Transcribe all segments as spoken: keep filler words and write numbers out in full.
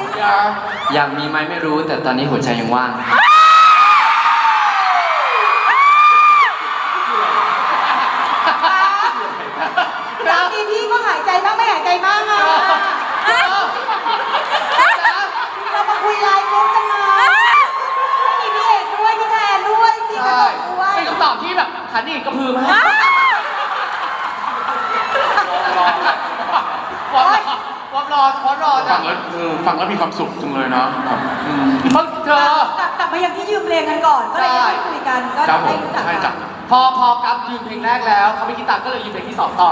อยากมีไหมไม่รู้แต่ตอนนี้หัวใจยังว่างสามีพี่ก็หายใจบ้างไม่หายใจบ้างอ่ะเรามาคุยไลน์กรุ๊ปกันมามีพี่เอกด้วยพี่แทนด้วยพี่กระต่ายด้วยเป็นคำตอบที่แบบขันอีกกระพือมากวอมรอวอมรอวอมรอฟังแล้วเออฟังแล้วมีความสุขจังเลยเนาะอืมเพิ่งเธอกลับมายังที่ยืมเพลงกันก่อนก็เลยได้คุยกันก็ครับผได้มรู้จักใช่กัจ้ะนพอพอกับยืมเพลงแรกแล้วเขาไม่คิดตังค์ก็เลยยืมเพลงที่สองต่อ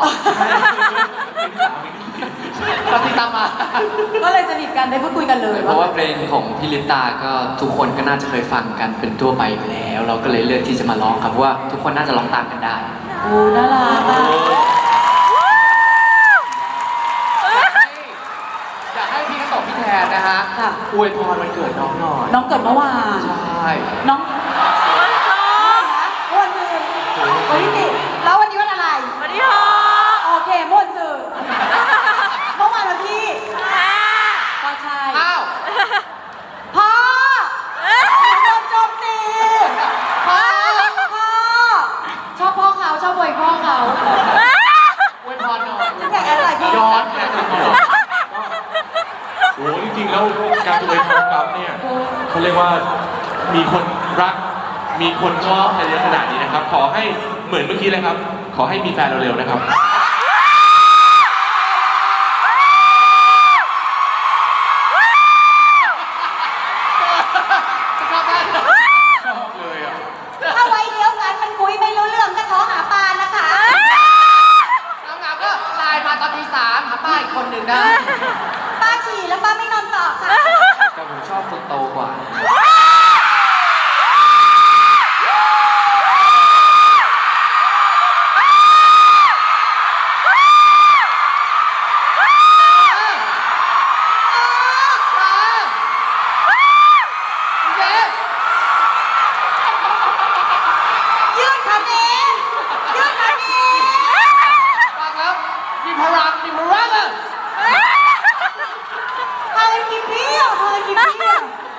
เราติดตามมาก็เลยสนิทกันได้พูดคุยกันเลยเพราะว่าเพลงของพี่ลิปตาก็ทุกคนก็น่าจะเคยฟังกันเป็นทั่วไปอยู่แล้ว เราก็เลยเลือกที่จะมาร้องครับเพราะว่าทุกคนน่าจะร้องตามกันได้โอ้น่ารักอ่ะอยากให้พี่กระตกพี่แทนนะฮะอวยพรวันเกิดน้องหน่อยน้องเกิดเมื่อวานใช่น้องวันสองวันสื่อวันที่สิบแล้ววันนี้วันอะไรวันที่หกโอเคม่วนสื่อเมื่อวานวันที่ก็ใช่อ้าวพ่อโดนโจมตีพ่อพ่อชอบพ่อเขาชอบอวยพ่อเขาอวยพรหน่อยจะแข่งอะไรพี่ย้อนแกโอ้จริงๆแล้วการจะไปทำกับเนี่ยเขาเรียกว่ามีคนรักมีคนชอบอะไรเยอะขนาดนี้นะครับ ขอให้เหมือนเมื่อกี้เลยครับ ขอให้มีแฟนเร็วๆนะครับชอบได้ชอบเลยอ่ะถ้าไว้เดียวกันมันคุยไม่รู้เรื่องก็ท้อหาปลานะคะน้องๆก็ไลน์มาตอนตีสามหาป้าอีกคนหนึ่งนะป้าฉี่แล้วป้าไม่นอนต่อค่ะแต่ผมชอบคนโตกว่ายืดขาเองยืดขาเองฟังแล้วมีพลังมีพลังอ่ะเธอกินเบี้ยวเธอกินเบี้ยว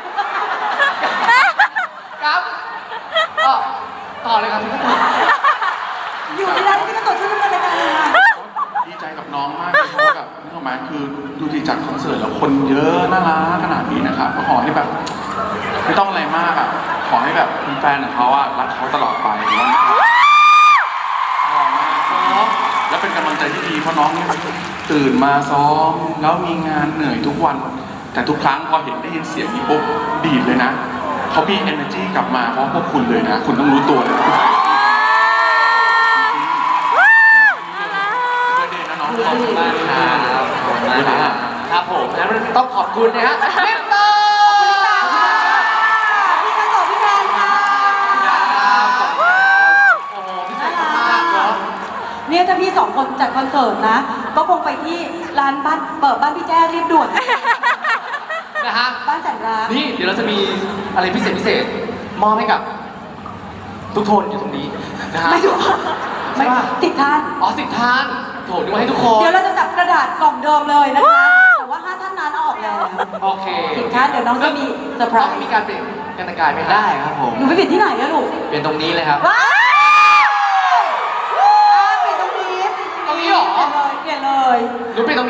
ครับก็ต่อเลยครับพี่กระตุกอยู่ที่ร้านพี่ก็ตดชื่อดำเนินรายการเลยค่ะดีใจกับน้องมากเลยเพราะว่าแบบนี่ถูกไหมคือดูดีจัดคอนเสิร์ตแล้วคนเยอะน่ารักขนาดนี้นะครับก็ขอให้แบบไม่ต้องอะไรมากอ่ะขอให้แบบแฟนของเขาอ่ะรักเขาตลอดไปนะครับขอมากเนาะแล้วเป็นกำลังใจที่ดีเพราะน้องเนี่ยตื่นมาซ้อมแล้วมีงานเหนื่อยทุกวัน แต่ทุกครั้งพอเห็นได้ยินเสียงนี้ปุ๊บดีดเลยนะเขามี energy กลับมาเพราะพวกคุณเลยนะ คุณต้องรู้ตัวเลยนะน้องขอบคุณมากครับขอบคุณมากครับครับผมแล้วต้องขอบคุณนะฮะเมตตาพี่กระตดพี่แดนค่ะโอ้โหพิเศษมากเนาะเนี่ยถ้าพี่สองคนจัดคอนเสิร์ตนะ ก็คงไปที่ร้านบ้านเปิดบ้านพี่แจ้รีบด่วนนะฮะบ้านแสนรักนี่เดี๋ยวเราจะมีอะไรพิเศษพิเศษมอบให้กับ ทุกคนอยู่ตรงนี้นะฮะไม่ถูกไม่ติดท่านอ๋อสิบท่านโถนึกว่าให้ทุกคนเดี๋ยวเราจะจับกระดาษกล่องเดิมเลยนะคะ แต่ว่าห้าท่านนั้นเอาออกแล้วโอเคติดท่านเดี๋ยวน้องจะมีเซอร์ไพรต้องส์มีการเปลี่ยนการแต่งกายไหมฮะได้ครับผมหนูไปเปลี่ยนที่ไหนอะลูกเป็นตรงนี้เลยครับว้าวอ่าเปลี่ยนตรงนี้ตรงนี้เหรอเปลี่ยนเลยเปลี่ยนเลยหนูเป็นตรง